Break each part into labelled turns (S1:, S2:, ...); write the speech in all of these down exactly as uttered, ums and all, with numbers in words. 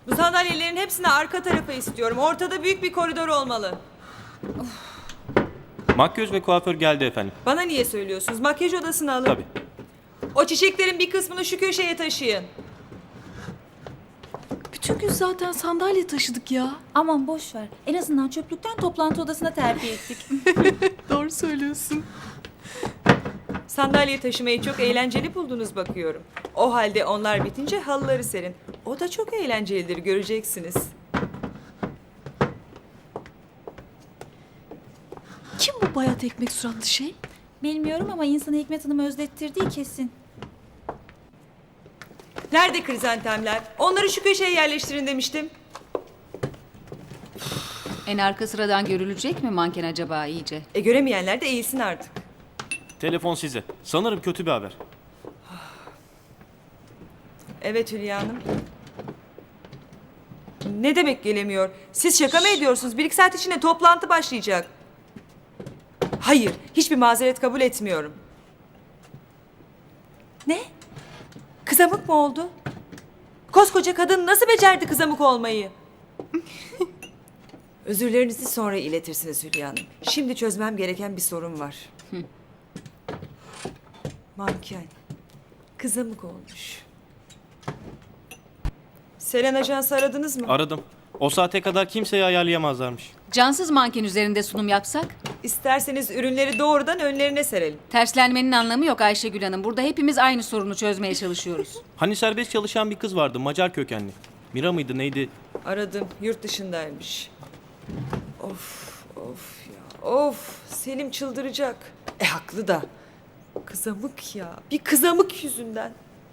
S1: Bu sandalyelerin hepsini arka tarafa istiyorum. Ortada büyük bir koridor olmalı.
S2: Makyöz ve kuaför geldi efendim.
S1: Bana niye söylüyorsunuz? Makyaj odasını alın.
S2: Tabii.
S1: O çiçeklerin bir kısmını şu köşeye taşıyın.
S3: Bütün gün zaten sandalye taşıdık ya.
S4: Aman boş ver. En azından çöplükten toplantı odasına terfi ettik.
S3: Doğru söylüyorsun.
S1: Sandalye taşımayı çok eğlenceli buldunuz bakıyorum. O halde onlar bitince halıları serin. O da çok eğlencelidir, göreceksiniz.
S3: Kim bu bayat ekmek suratlı şey?
S4: Bilmiyorum ama insanı Hikmet Hanım özlettirdiği kesin.
S1: Nerede krizantemler? Onları şu köşeye yerleştirin demiştim.
S5: En arka sıradan görülecek mi manken acaba iyice?
S1: E göremeyenler de eğilsin artık.
S2: Telefon size. Sanırım kötü bir haber.
S1: Evet Hülya Hanım. Ne demek gelemiyor? Siz şaka mı ediyorsunuz? Bir iki saat içinde toplantı başlayacak. Hayır, hiçbir mazeret kabul etmiyorum. Ne? Kızamık mı oldu? Koskoca kadın nasıl becerdi kızamık olmayı? Özürlerinizi sonra iletirsiniz Hülya Hanım. Şimdi çözmem gereken bir sorun var. Manken. Kızamık olmuş. Selen Ajans'ı aradınız mı?
S2: Aradım. O saate kadar kimseyi ayarlayamazlarmış.
S5: Cansız manken üzerinde sunum yapsak?
S1: İsterseniz ürünleri doğrudan önlerine serelim.
S5: Terslenmenin anlamı yok Ayşegül Hanım. Burada hepimiz aynı sorunu çözmeye çalışıyoruz.
S2: Hani serbest çalışan bir kız vardı, Macar kökenli. Mira mıydı neydi?
S1: Aradım, yurt dışındaymış. Of, of ya, of. Selim çıldıracak. E haklı da. Kızamık ya, bir kızamık yüzünden.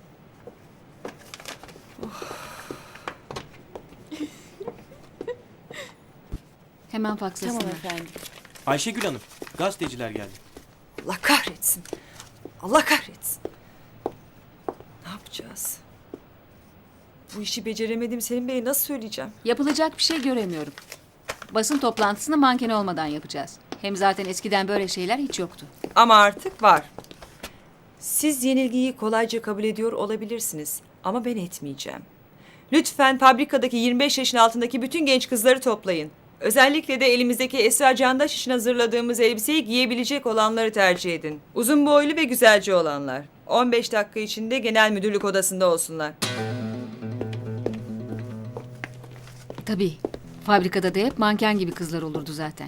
S5: Hemen fakslasınlar.
S4: Tamam efendim.
S2: Ayşegül Hanım, gazeteciler geldi.
S1: Allah kahretsin. Allah kahretsin. Ne yapacağız? Bu işi beceremedim Selim Bey'e nasıl söyleyeceğim?
S5: Yapılacak bir şey göremiyorum. Basın toplantısını manken olmadan yapacağız. Hem zaten eskiden böyle şeyler hiç yoktu.
S1: Ama artık var. Siz yenilgiyi kolayca kabul ediyor olabilirsiniz. Ama ben etmeyeceğim. Lütfen fabrikadaki yirmi beş yaşın altındaki bütün genç kızları toplayın. Özellikle de elimizdeki Esra Candaş için hazırladığımız elbiseyi giyebilecek olanları tercih edin. Uzun boylu ve güzelce olanlar. on beş dakika içinde genel müdürlük odasında olsunlar.
S5: Tabii. Fabrikada da hep manken gibi kızlar olurdu zaten.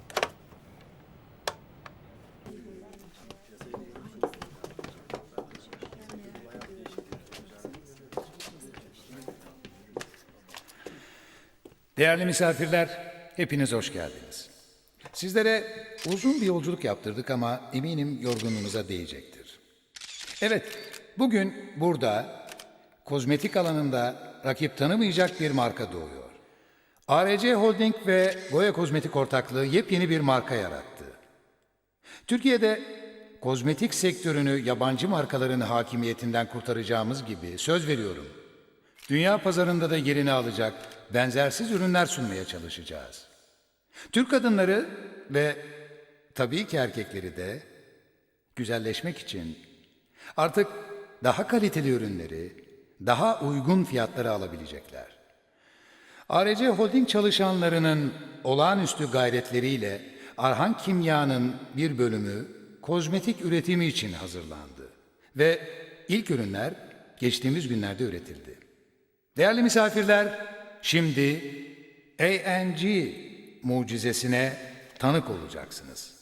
S6: Değerli misafirler, hepiniz hoş geldiniz. Sizlere uzun bir yolculuk yaptırdık ama eminim yorgunluğunuza değecektir. Evet, bugün burada kozmetik alanında rakip tanımayacak bir marka doğuyor. A R C Holding ve Goya Kozmetik ortaklığı yepyeni bir marka yarattı. Türkiye'de kozmetik sektörünü yabancı markaların hakimiyetinden kurtaracağımız gibi söz veriyorum. Dünya pazarında da yerini alacak benzersiz ürünler sunmaya çalışacağız. Türk kadınları ve tabii ki erkekleri de güzelleşmek için artık daha kaliteli ürünleri, daha uygun fiyatlara alabilecekler. A R C Holding çalışanlarının olağanüstü gayretleriyle Arhan Kimya'nın bir bölümü kozmetik üretimi için hazırlandı ve ilk ürünler geçtiğimiz günlerde üretildi. Değerli misafirler, şimdi A N G mucizesine tanık olacaksınız.